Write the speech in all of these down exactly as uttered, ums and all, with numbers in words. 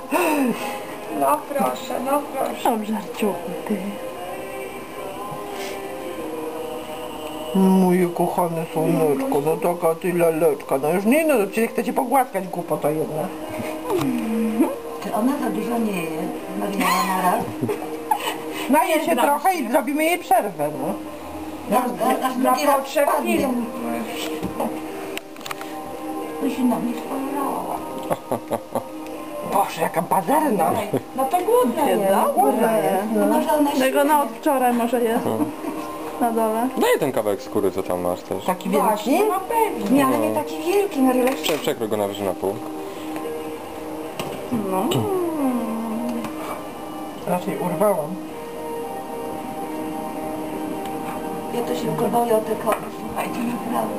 No proszę, no proszę. Dobrze, żarciuchy. Mój kochany słoneczko, no taka ty laleczka, no już nie, no przecież chcecie pogłaskać głupota jedna. Czy ona za dużo nie je, Mariana, na raz? Naje się trochę i zrobimy jej przerwę, no. Aż, aż Na drugi raz potrzeb spadnie. film. To się na mnie spojrzała. Boże, jaka pazerna. No to głodna jest. Głodna jest. No może ona się... Tego na od wczoraj może jest. Na dole. Daj ten kawałek skóry, co tam masz też. Taki Właśnie, wielki? no pewnie. Nie, ale nie taki wielki, Mariela. Prze przekrój go na wyżej na pół. No. Raczej urwałam. Ja to się go boję o te koty, słuchajcie, naprawdę.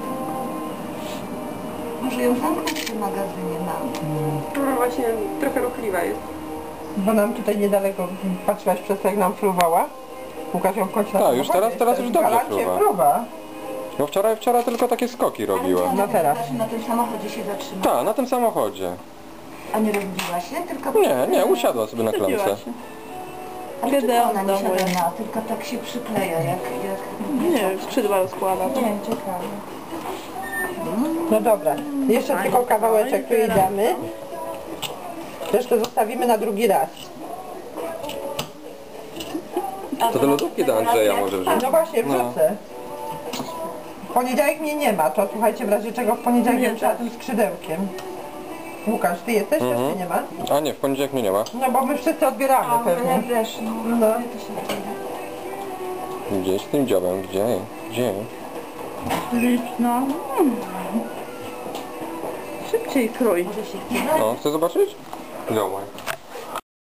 Może ją zamknąć w tym magazynie mam. No właśnie, trochę ruchliwa jest. Bo nam tutaj niedaleko, patrzyłaś przez to, jak nam fruwała? Łukasz ją w końcu na Tak, już teraz- teraz już dobrze Galancie fruwa. fruwa. No wczoraj, wczoraj tylko takie skoki robiła. No teraz. Znaczy na tym samochodzie się zatrzymała. Tak, na tym samochodzie. A nie rozbiła się, tylko... Nie, nie, usiadła sobie na Wstydziła klamce. się. Ale Kiedy czemu on ona w nie domu siada jest? na, tylko tak się przykleja, jak... jak... Nie wiem, skrzydła rozkłada. Nie wiem, ciekawe. No dobra, jeszcze Fajnie, tylko kawałeczek tu fajnie, i damy. Resztę zostawimy na drugi raz. To do lodówki do Andrzeja może wrzucić. No właśnie, No. wrzucę. W poniedziałek mnie nie ma, to słuchajcie, w razie czego w poniedziałek Nie, jestem tak. tym skrzydełkiem. Łukasz, ty jesteś, Mhm. też ty nie ma? A nie, w poniedziałek mnie nie ma. No bo my wszyscy odbieramy A, pewnie. ale też, no. No. Gdzieś tym dziobem, gdzie? Gdzie? Liczno. Szybciej krój. Może się chce. O, chcesz zobaczyć? Zobacz.